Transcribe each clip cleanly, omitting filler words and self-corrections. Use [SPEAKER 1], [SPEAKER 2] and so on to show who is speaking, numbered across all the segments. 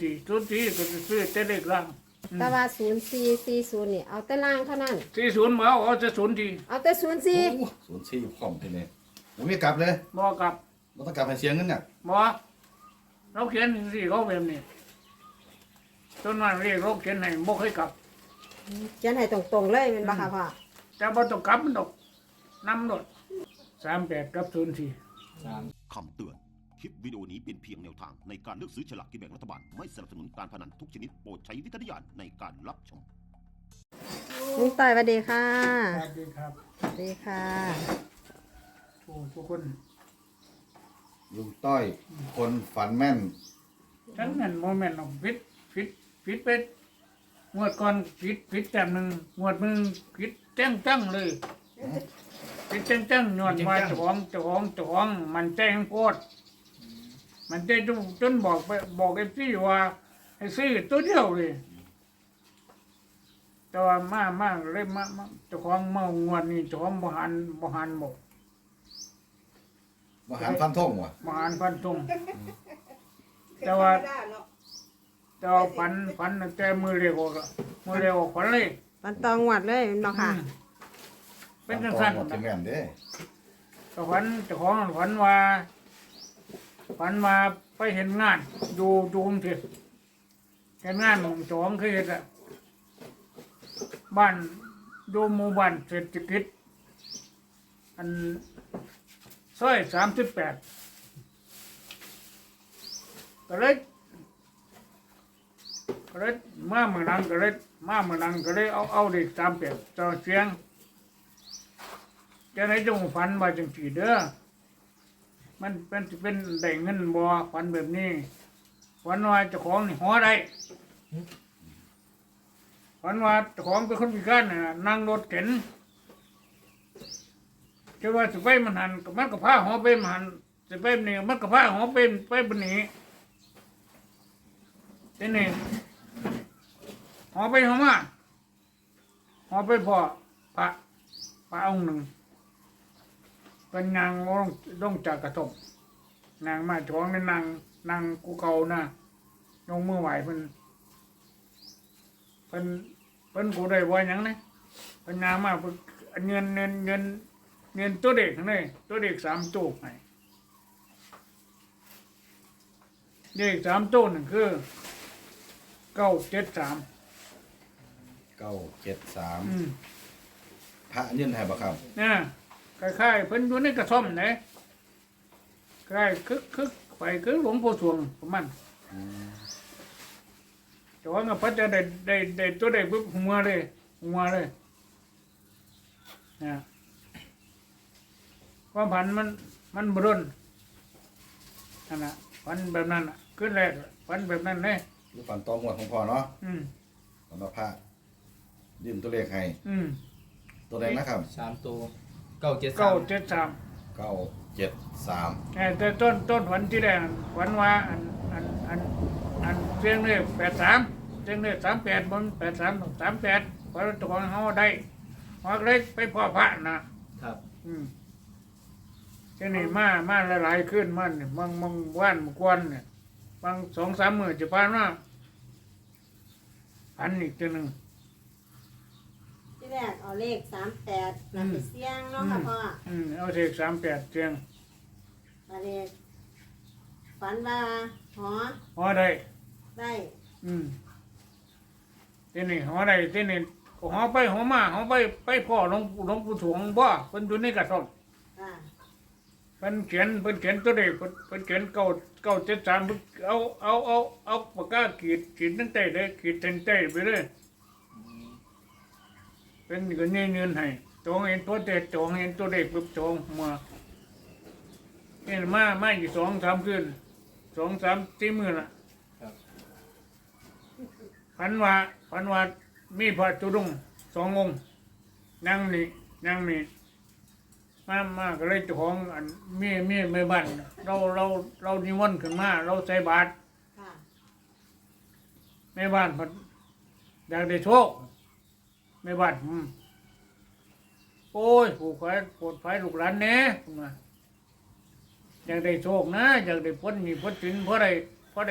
[SPEAKER 1] 04ก็จะซื้อแต่เลขล่าง
[SPEAKER 2] แต่ว่า0440นี่เอาแต่ล่างเท่านั้น
[SPEAKER 1] 40มาเอาจะ04
[SPEAKER 2] เอาแต่
[SPEAKER 3] โอ้04พร้อมทีนี้ผมไม่กลับเลย
[SPEAKER 1] บ่กลับ
[SPEAKER 3] เราต้องกลับให้เสียเงินเนี่ย
[SPEAKER 1] บ่เราเขียนสิเขาแบบนี้ต้นนั้นเรียกเราเขียนให้บ่เคยกลับ
[SPEAKER 2] 04เขียนให้ตรงๆเลยแม่นบ่ค่ะพ่อ
[SPEAKER 1] แต่บ่ต้องกลับมันดอกนำรถ38กับ04
[SPEAKER 4] คำเตือน คลิปวิดีโอนี้เป็นเพียงแนวทางในการเลือกซื้อฉลากกินแบ่งรัฐบาล ไม่สนับสนุนการพนันทุกชนิดโปรดใช้วิจารณญาณในการรับชม
[SPEAKER 2] ลุงต่อยสวัสดีค่ะ
[SPEAKER 1] สวัสดีครับ
[SPEAKER 2] สวัสดีค่ะ
[SPEAKER 1] ทุกคน
[SPEAKER 3] ลุงต้อยคนฝันแม่น
[SPEAKER 1] ทั้งนั้นโมเมนต์ผิดเป็ดงวดก่อนผิดแต้มหนึ่งงวดมึงผิดจังเลยผิดจังย้อนว่าเจ้าของมันใจงโคตรมันใจจนบอกไอ้พี่ว่าให้ซื้อตัวเดียวเลยแต่ว่ามาเลยมาเจ้าของเมางวดนี้เจ้าของบ่หันบอก
[SPEAKER 3] มหารฟันทงว่ะ
[SPEAKER 1] บ่หันฟันธงแต่ว่าฝันแต่มือเรียกออกฝันเลย
[SPEAKER 2] ปันตองหวัดเลยแม่นบ่ค่ะ
[SPEAKER 1] เป็นจังซั่น
[SPEAKER 3] หมดที่แม่นเด้
[SPEAKER 1] ก็ฝันเจ้าของฝันว่าไปเห็นงานดูกรุงเทพเห็นงานของเจ้าของเคยเห็นอะบ้านดูหมู่บ้านเศรษฐกิจอันซอย38ก็เลยมาเมืองนังก็เลยเอาเด็ก38เจ้าเสียงจะไหนจงฝันว่าจังสีเด้อมันเป็นได้เงินบ่ฝันแบบนี้ฝันว่าเจ้าของนี่หอได้ฝันว่าเจ้าของเป็นคนพิการน่ะนั่งรถเข็นจะว่าสิไปมันหันมันก็พาหอไปมันหันสิไปนี่มันก็พาหอไปบนนี้ทีนี้หอไปหอมาหอไปพ่อพระองค์หนึ่งเป็นนางลงจากกระทบนางมาจ้องในนางกูเก่านะยงมือไหวเพิ่นกูได้บ่หยังนะเป็นนางมาเงินตัวเด็กนี่ตัวเด็ก3ตู้ให้เด็ก3ตู้นั่นคือ973
[SPEAKER 3] พระยื่นให้บ่ครับ
[SPEAKER 1] นะคล้ายๆเพิ่นอยู่ในกระท่อมไหนคล้ายคึกไปคือหลวงปู่สวงประมาณแต่ว่าเพิ่นจะได้ตัวได้ปุ๊บหัวเลยนะความผันมันบรุนนั่นน่ะผันแบบนั้นน่ะขึ้นแรกผันแบบนั้นเลย
[SPEAKER 3] หรือฝันตองหวดของพ่อเนาะ
[SPEAKER 1] อืม
[SPEAKER 3] สำหรับพระยื่นตัวเลขให้
[SPEAKER 1] อืม
[SPEAKER 3] ตัวใดนะครับ
[SPEAKER 5] 3 ตัว
[SPEAKER 1] 973
[SPEAKER 3] 973
[SPEAKER 1] แต่ต้นฝันที่แรกฝันว่าอันเสียงเลข83เสียงเลข38บน83 38เพราะตัวของเฮาได้ฮอกเล็กไปพ่อพระนะครับ ทีนี้มาหลายๆขึ้นมันนี่บางว่านบางกวนเนี่ยบาง 2-3 มื้อจะผ่านมาอันอีกตัวหนึง
[SPEAKER 2] ที่แรกเอาเลข38นำไปเสี่ยงเนาะค่ะพ่อ
[SPEAKER 1] เอาเลข38เสียง
[SPEAKER 2] อันนี้ฝันว่าหอ
[SPEAKER 1] ฮอได้
[SPEAKER 2] ได้
[SPEAKER 1] ทีนี้หอได้ทีนี้ก็หอไปหอมาหอไปพ่อหลวงปู่ถวงบ่เพิ่นอยู่ในกระท่อม
[SPEAKER 2] ค่ะ
[SPEAKER 1] เพิ่นเขียนตัวเลขเพิ่นเขียน973เพิ่นเอาปากกาขีดตั้งแต่เลยขีดเส้นใต้ไปเลยเป็นก็เงินให้จองเห็นตัวเด็ดจองเห็นตัวเลขปุ๊บจองมาเห็นมาอยู่2-3คืน2-3-4มื้อละฝันว่ามีพระตุดงค์2 องค์นั่งนี่มาก็เลยเจ้าของอันมีแม่บ้านเรานิมนต์ขึ้นมาเราใส่บาตร
[SPEAKER 2] ค่ะ
[SPEAKER 1] แม่บ้านเพิ่นอยากได้โชคแม่บ้านโอ้ยผู้ขายปวดไฟลูกหลานแหน่พุ่นว่าอยากได้โชคนะอยากได้พ้นมีพ้นสินเพราะได้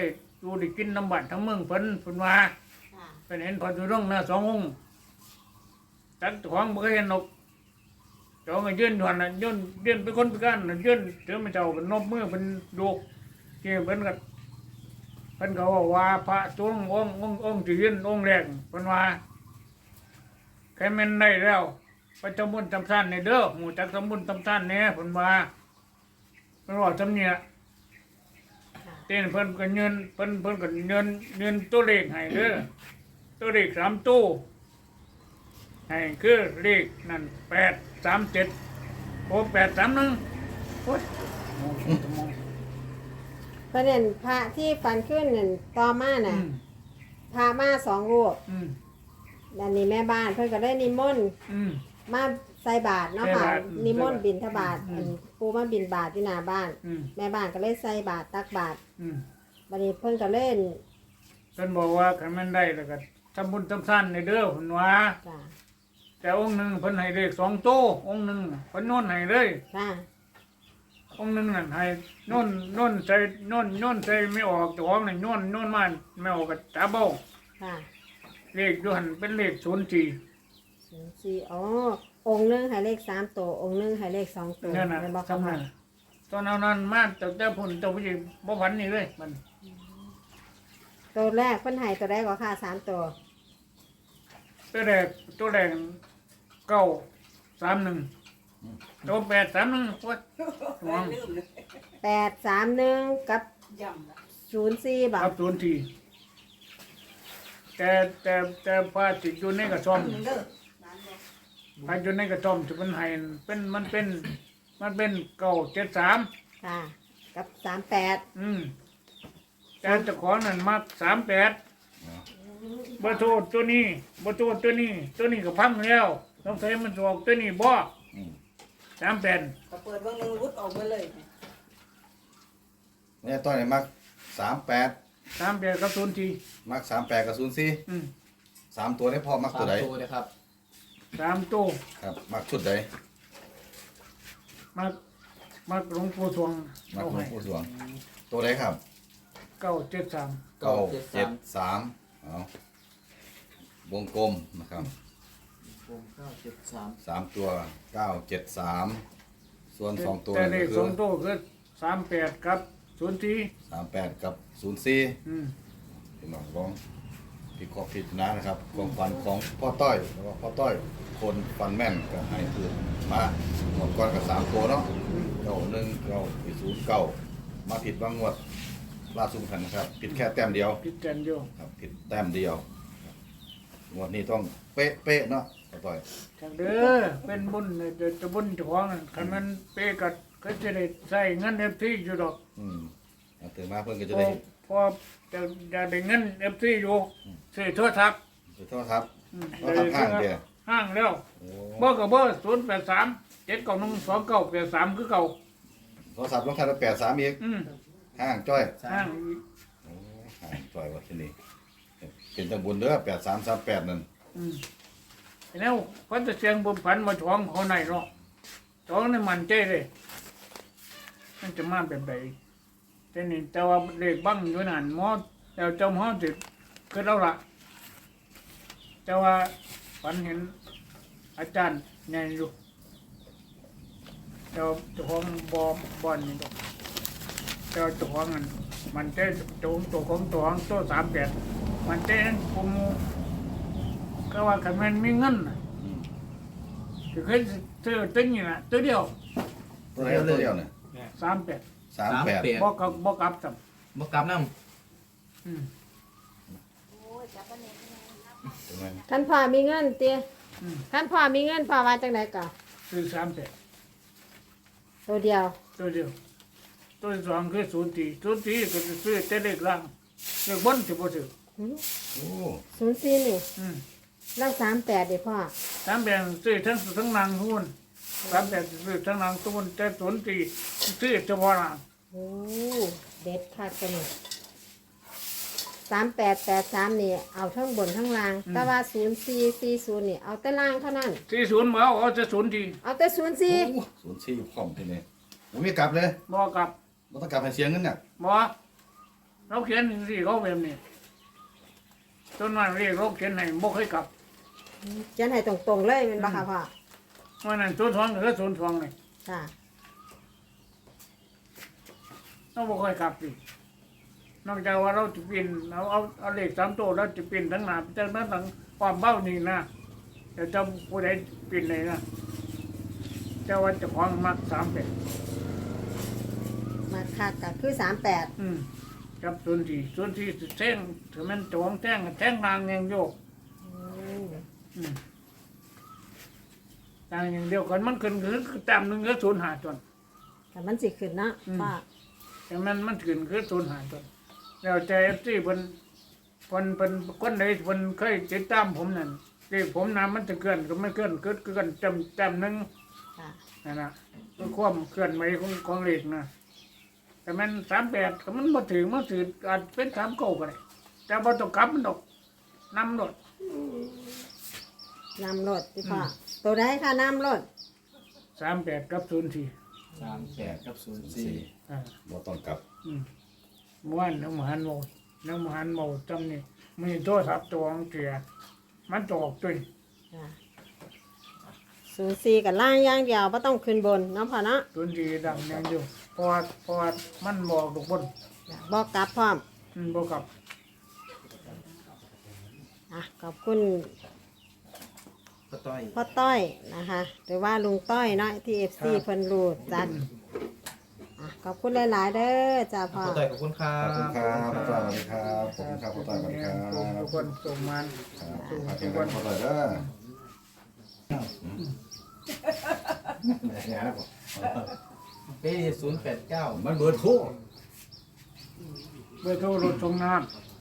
[SPEAKER 1] อยู่ได้กินน้ำบัดทั้งเมืองเพิ่นว่า
[SPEAKER 2] ค่ะ
[SPEAKER 1] เป็นเห็นพอจุดงนะสององค์จักของบ่เคยเห็นนกเจ้าก็ยืนอยู่หั่นน่ะยืนเป็นคนพิการน่ะยืนเถือมาเจ้าเป็นนบมือเป็นดูกที่เพิ่นก็ว่าพระสงฆ์องค์ที่ยืนองค์แรกเพิ่นว่าใครแม่นได้แล้วไปทำบุญทำทานในเด้อหมู่จักทำบุญทำทานแหน่เพิ่นว่าเพิ่นว่าจำเนี่ย
[SPEAKER 2] ค่ะ
[SPEAKER 1] เต้นเพิ่นก็เงินเพิ่นก็เงินตัวเลขให้เด้อตัวเลข3ตู้ให้คือเลขนั่น837โอ้831โอ้ยมอง
[SPEAKER 2] ประเด็นพระที่ฟันขึ้นนั่นต่อมาน่ะพระมาสองรูป
[SPEAKER 1] อืม
[SPEAKER 2] อันนี้แม่บ้านเพิ่นก็ได้นิมนต์
[SPEAKER 1] อืม
[SPEAKER 2] มาใส่บาตรเนาะค่ะ
[SPEAKER 1] ใส่บาตร
[SPEAKER 2] นิมนต์บิณฑบาต
[SPEAKER 1] อืม
[SPEAKER 2] อันปูมาบิณบาตอยู่หน้าบ้าน
[SPEAKER 1] อืม
[SPEAKER 2] แม่บ้านก็เลยใส่บาตรตักบาตร
[SPEAKER 1] อืม
[SPEAKER 2] บัดนี้เพิ่นก็เล่น
[SPEAKER 1] เพิ่นบอกว่าคันแม่นได้แล้วก็ทำบุญทำทานในเด้อเพิ่นว่า
[SPEAKER 2] จ้ะ
[SPEAKER 1] แต่องค์หนึงเพิ่นให้เลข2ตู้องค์หนึงเพิ่นโน่นให้เลย
[SPEAKER 2] ค่ะ
[SPEAKER 1] องค์หนึงนั่นให้โน่นใส่โน่นใส่ไม่ออกเจ้าของนี่โน่นมาไม่ออกก็ตาเบ้า
[SPEAKER 2] ค่ะ
[SPEAKER 1] เลขอยู่หั่นเป็นเลข04
[SPEAKER 2] สี่อ๋อองค์หนึงให้เลข3ตัวองค์หนึงให้เลข2ตัว
[SPEAKER 1] นั่นน่ะ
[SPEAKER 2] แม่นบ่
[SPEAKER 1] สำ
[SPEAKER 2] ค่ะ
[SPEAKER 1] นักตอนเอานั้นมาแต่พุ่นเจ้าผู้หญิงบ่ฝันนี่เลยมัน
[SPEAKER 2] ตัวแรกเพิ่นให้ตัวแรกก็ค่ะ3ตัว
[SPEAKER 1] ตัวแรก931ตัว831โอ้ยหวง
[SPEAKER 2] 831กับ04บ่
[SPEAKER 1] ครับ04แต่พระสิอยู่ในกระท่อมพระอยู่ในกระท่อมที่มันให้มันเป็น973
[SPEAKER 2] ค่ะ กับ38
[SPEAKER 1] แต่เจ้าของนั่นมัก38บ่โทษตัวนี้บ่โทษตัวนี้ก็พังแล้วต้องใช้มันออกตัวนี้บ่
[SPEAKER 3] อืม
[SPEAKER 1] 38
[SPEAKER 5] ก็เปิดเบิ่งหนึงรุดออกมาเลย
[SPEAKER 3] เนี่ยต้อยนี่มัก38
[SPEAKER 1] 38กับ04
[SPEAKER 3] มัก38กับ04
[SPEAKER 1] อืม
[SPEAKER 3] 3ตัวนี้พอมักตัวใด
[SPEAKER 6] ตัวนะครับ
[SPEAKER 1] 3ตู้
[SPEAKER 3] ครับมักชุดใด
[SPEAKER 1] มักหลวงปู่สวง
[SPEAKER 3] มัก
[SPEAKER 1] เอา
[SPEAKER 3] หลว
[SPEAKER 1] ให้
[SPEAKER 3] งปู่สวงตัวใดครับ
[SPEAKER 1] 973
[SPEAKER 3] 973เอาวงกลมนะครับ
[SPEAKER 6] ผม973
[SPEAKER 3] 3ตัว973ส่วน2ตัว
[SPEAKER 1] แต่เล
[SPEAKER 3] ก็
[SPEAKER 1] ข
[SPEAKER 3] คือ
[SPEAKER 1] 2ตู้คือ38กับ04
[SPEAKER 3] 38กับ04
[SPEAKER 1] อืม
[SPEAKER 3] พี่น้องลองพิเคราะห์พิจารณานะครับความฝันของพ่อต้อยแล้วก็พ่อต้อยคนฟันแม่นก็ให้คือมาหมดก้อนกับ3ตัวเนาะ919มาผิดบางงวดล่าสุดคันนะครับผิดแค่แต้มเดียว
[SPEAKER 1] พิจารณาอยู่
[SPEAKER 3] ครับผิดแต้มเดียวงวดนี้ต้องเป๊ะๆเนาะพ่อต้อย
[SPEAKER 1] จังเด้อเป็นบุญจะบุญเจ้าของนั่นคันมันเปกัดก็จะได้ใช้เงิน FT อยู่ดอก
[SPEAKER 3] เอาตื่นมาเพิ่นก็จะ
[SPEAKER 1] พอ
[SPEAKER 3] ได้
[SPEAKER 1] พอจะได้เงิน FT อยู่ซื้อโทรศัพท์
[SPEAKER 3] โทษครับ
[SPEAKER 1] อืม
[SPEAKER 3] เราทำห้างเดียว
[SPEAKER 1] ห้างแล้ว
[SPEAKER 3] โอ้
[SPEAKER 1] เบอร์ก็เบอร์083 7912983คือเก่า
[SPEAKER 3] โทรศัพท์ลงท้ายด้วย83อีก
[SPEAKER 1] อืม
[SPEAKER 3] ห้างจ้อย
[SPEAKER 1] ห้าง
[SPEAKER 3] โอ้ห้างจ้อยว่าที่นี่เป็นจังบุญเด้อ8338นั่น
[SPEAKER 1] อืมแล้วเพิ่นจะเสียงบุญผันมาท้องเขาไหนเนาะท้องนี่มันใจเลยมันจะมาแบบใดแต่นี่แต่ว่าเลขบังอยู่นั่นหมอแล้วเจ้าหมอสิคือเราละแต่ว่าฝันเห็นอาจารย์ใหญ่อยู่เจ้าของบ่อนนี่ดอกเจ้าของอันมันใจตัวของตัว38มันใจนั้นกูมูก็ว่าคันมันมีเงินน่ะ
[SPEAKER 3] อืม
[SPEAKER 1] จะเคยซื้อตึ้งนี่น่ะตัวเดียว
[SPEAKER 3] ตัวไหนตัวเดียวเนี่ย
[SPEAKER 1] 38
[SPEAKER 3] 38
[SPEAKER 1] บ่กลับจำ
[SPEAKER 6] บ่กลับนำ
[SPEAKER 1] อืม
[SPEAKER 3] ถูกไหม
[SPEAKER 2] ท่านพ่อมีเงินเตี้ย
[SPEAKER 1] อืม
[SPEAKER 2] ท่านพ่อมีเงินพ่อว่าจังไดก็
[SPEAKER 1] ซื้อ38
[SPEAKER 2] ตัวเดียว
[SPEAKER 1] ตัวเดียวตัวที่สองคือ04ก็จะซื้อแต่เลขล่างเลขบนสิบ่ซื้อ
[SPEAKER 3] โอ้
[SPEAKER 2] 04นี่
[SPEAKER 1] อืม
[SPEAKER 2] แล้ว38ดิพ่อ
[SPEAKER 1] 38ซื้อทั้งนางหุ้น38ซื้อทั้งนางตุ้นแต่04ซื้อเฉพาะนาง
[SPEAKER 2] โอ้เด็ดคักตัวนี้3883นี่เอาทั้งบนทั้งล่าง แต่ว่า0440นี่เอาแต่ล่างเท่านั้น
[SPEAKER 1] 40บ่เอาจะ04
[SPEAKER 2] เอาแต่
[SPEAKER 3] โห04พร้อมที่นี่ผมไม่กลับเลย
[SPEAKER 1] บ่กลับ
[SPEAKER 3] บ่ต้องกลับให้เสียเงินน่ะ
[SPEAKER 1] บ่เราเขียนสิเขาแบบนี้ต้นวันเรียกเราเขียนให้บ่เคยกลับ
[SPEAKER 2] เขียนให้ตรงๆเลยแมันบ่ค่ะพ่อ
[SPEAKER 1] วันนั้นศูนย์ทองหรือศูนย์ทองเลย
[SPEAKER 2] ค่ะ
[SPEAKER 1] เราบ่เคยกลับสินอกจากว่าเราจะปีนเอาเลข3ตัวเราจะปีนทั้งหน้าจากนั้นทั้งความเบ้านี่นะเดี๋ยวจะผู้ใดปีนเลยนะเจ้าว่าเจะของมัก3 8
[SPEAKER 2] มาคักก็คือ38
[SPEAKER 1] กับส่วนที่แท่งถือมันจวงแท่งนางยังโยก ต่างอย่างเดียวกันมันขึ้นคือจำหนึ่งก็0 5จน
[SPEAKER 2] แต่มันสิขึ้นเนาะพ่อ
[SPEAKER 1] แต่มันขึ้นคือ0 5จนแล้วใจที่เพิ่นคนใดเพิ่นเคยติดตามผมนั่นที่ผมนำมันจะเกินก็ไม่เกินเกินจำหนึ่ง
[SPEAKER 2] ค่ะ
[SPEAKER 1] นั่นนะคือความเคลื่อนไหวของเลขนะแต่มัน38ก็มันบ่ถึงมันถืออาจเป็น3 9ก็ได้แต่บ่ต้องกลับมันดอกนำดอก
[SPEAKER 2] นำรถพี่พ่อตัวใดค่ะนำรถ
[SPEAKER 1] 38กับ04
[SPEAKER 6] 38กับ 04
[SPEAKER 1] อ่า
[SPEAKER 3] บ่ต้องกลับ
[SPEAKER 1] เมื่อวานน้องมหันโมจำนี่มีโทรศัพท์ตัวของเสียมันตกตุย
[SPEAKER 2] ค่ะ04กับล่างอย่างเดียวบ่ต้องขึ้นบนเนาะพ่อเนาะ
[SPEAKER 1] ตุนดีดังยังอยู่เพราะว่ามันบอกทุกคน
[SPEAKER 2] บ่กลับพร้อม
[SPEAKER 1] บอกกับ
[SPEAKER 2] ขอบคุณ
[SPEAKER 6] พ่อต้อย
[SPEAKER 2] พ่อต้อยนะคะหรือว่าลุงต้อยเนาะที่ FC เพิ่นรู้จักขอบคุณหลายๆเด้อจ้าพ่อ
[SPEAKER 6] พ่อต้อยขอบคุณครั
[SPEAKER 3] ข
[SPEAKER 6] บ
[SPEAKER 3] อบคุณครับพ่อต้อยสวัสดีครับขอบคุณครับพ่อต้อยสวัสดีครับ
[SPEAKER 1] ทุกคนส่งมัน
[SPEAKER 3] ครับขอบคุณพ่อต้อยเด้อเนี่ยนะผม
[SPEAKER 6] ปี089
[SPEAKER 3] มันเบอร์โทร
[SPEAKER 1] เบอร์โทรรถส่งน้ำ